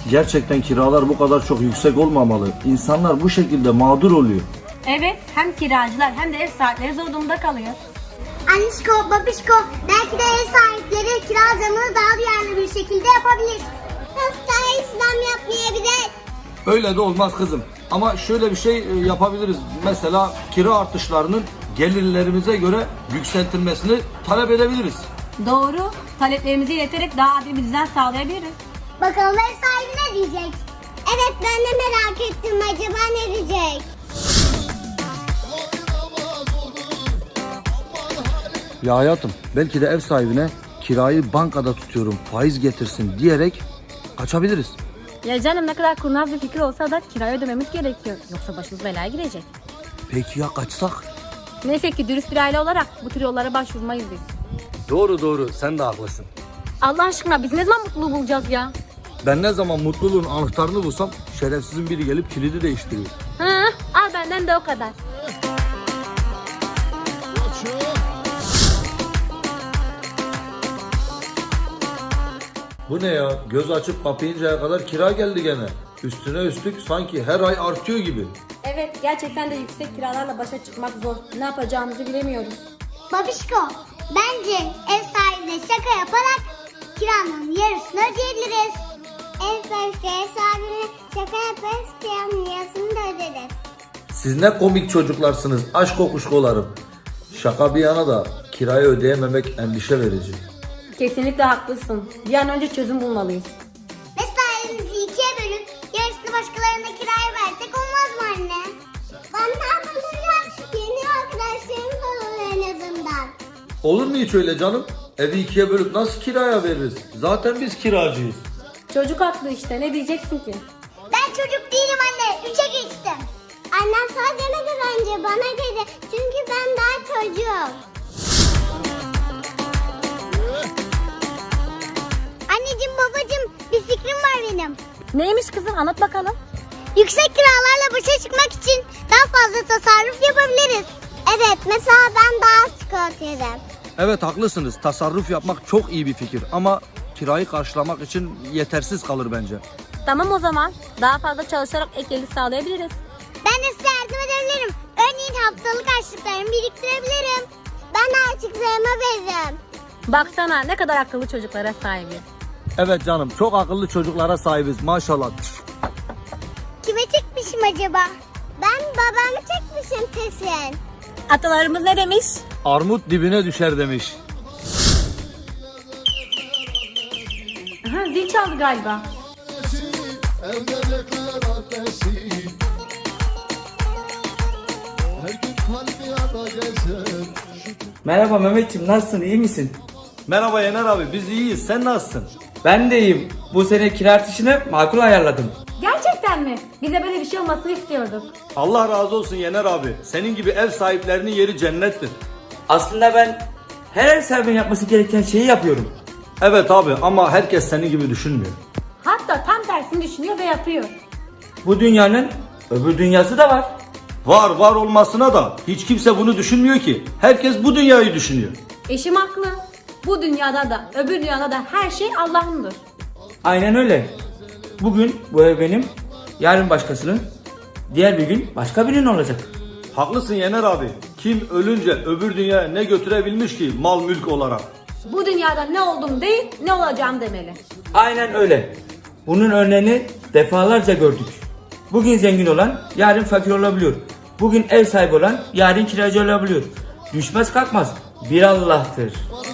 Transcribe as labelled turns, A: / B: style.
A: Gerçekten kiralar bu kadar çok yüksek olmamalı. İnsanlar bu şekilde mağdur oluyor.
B: Evet, hem kiracılar hem de ev sahipleri zor durumda kalıyor.
C: Annişko, babişko, belki de ev sahipleri kira zamını daha duyarlı bir şekilde yapabilir. Hastaya zam yapmayabilir.
A: Öyle de olmaz kızım. Ama şöyle bir şey yapabiliriz. Mesela kira artışlarının gelirlerimize göre yükseltilmesini talep edebiliriz.
B: Doğru, taleplerimizi ileterek daha adil bir düzen sağlayabiliriz.
C: Bakalım ev sahibi ne diyecek? Evet, ben de merak ettim, acaba ne diyecek?
A: Ya hayatım, belki de ev sahibine kirayı bankada tutuyorum, faiz getirsin diyerek kaçabiliriz.
B: Ya canım, ne kadar kurnaz bir fikir olsa da kirayı ödememiz gerekiyor. Yoksa başımız belaya girecek.
A: Peki ya kaçsak?
B: Neyse ki dürüst bir aile olarak bu tür yollara başvurmayız biz.
A: Doğru, sen de haklısın.
B: Allah aşkına biz ne zaman mutluluğu bulacağız ya?
A: Ben ne zaman mutluluğun anahtarını bulsam şerefsizin biri gelip kilidi değiştiriyor.
B: Hı, al benden de o kadar.
A: Bu ne ya? Göz açıp kapayıncaya kadar kira geldi gene. Üstüne üstlük sanki her ay artıyor gibi.
B: Evet, gerçekten de yüksek kiralarla başa çıkmak zor. Ne yapacağımızı bilemiyoruz.
C: Babişko, bence ev sahibine şaka yaparak kiranın yarısını ödeyebiliriz. Ev sahibine şaka yaparız, kiranın yarısını da öderiz.
A: Siz ne komik çocuklarsınız aşk kokuşkolarım. Şaka bir yana da kirayı ödeyememek endişe verici.
B: Kesinlikle haklısın. Bir an önce çözüm bulmalıyız.
C: Mesaimizi ikiye bölüp yarısını başkalarına kiraya versek olmaz mı anne? Ben ne yapacağım? Yeni arkadaşlarım olur en azından.
A: Olur mu hiç öyle canım? Evi ikiye bölüp nasıl kiraya veririz? Zaten biz kiracıyız.
B: Çocuk haklı işte, ne diyeceksin ki?
C: Ben çocuk değilim anne. 3'e geçtim. Annem sana demedi bence. Bana dedi. Çünkü ben daha çocuğum. Anneciğim, babacığım, bir fikrim var benim.
B: Neymiş kızım, anlat bakalım.
C: Yüksek kiralarla başa çıkmak için daha fazla tasarruf yapabiliriz. Evet, mesela ben daha az çikolata yerim.
A: Evet haklısınız. Tasarruf yapmak çok iyi bir fikir ama kirayı karşılamak için yetersiz kalır bence.
B: Tamam o zaman. Daha fazla çalışarak ek gelir sağlayabiliriz.
C: Ben de size yardım edebilirim. Örneğin haftalık harçlıklarımı biriktirebilirim. Ben de harçlıklarımı veririm.
B: Baksana ne kadar akıllı çocuklara sahibiz.
A: Evet canım, çok akıllı çocuklara sahibiz maşallah.
C: Kime çekmişim acaba? Ben babamı çekmişim kesin.
B: Atalarımız ne demiş?
A: Armut dibine düşer demiş.
B: Aha, zil çaldı galiba.
D: Evlenekler adresi her gün kalbi yana gezer.
E: Merhaba Mehmetciğim, nasılsın, iyi misin?
A: Merhaba Yener abi, biz iyiyiz, sen nasılsın?
E: Ben de iyiyim. Bu sene kira artışını makul ayarladım.
B: Gerçekten mi? Bize böyle bir şey olmasını istiyorduk.
A: Allah razı olsun Yener abi, senin gibi ev sahiplerinin yeri cennettir.
E: Aslında ben her ev sahibinin yapması gereken şeyi yapıyorum.
A: Evet abi ama herkes senin gibi düşünmüyor.
B: Hatta tam tersini düşünüyor ve yapıyor.
E: Bu dünyanın öbür dünyası da var.
A: Var olmasına da hiç kimse bunu düşünmüyor ki. Herkes bu dünyayı düşünüyor.
B: Eşim haklı. Bu dünyada da öbür dünyada da her şey Allah'ındır.
E: Aynen öyle. Bugün bu ev benim, yarın başkasının, diğer bir gün başka birinin olacak.
A: Haklısın Yener abi. Kim ölünce öbür dünyaya ne götürebilmiş ki mal mülk olarak?
B: Bu dünyada ne oldum değil, ne olacağım demeli.
E: Aynen öyle. Bunun örneğini defalarca gördük. Bugün zengin olan yarın fakir olabiliyor. Bugün ev sahibi olan yarın kiracı olabiliyor. Düşmez kalkmaz bir Allah'tır.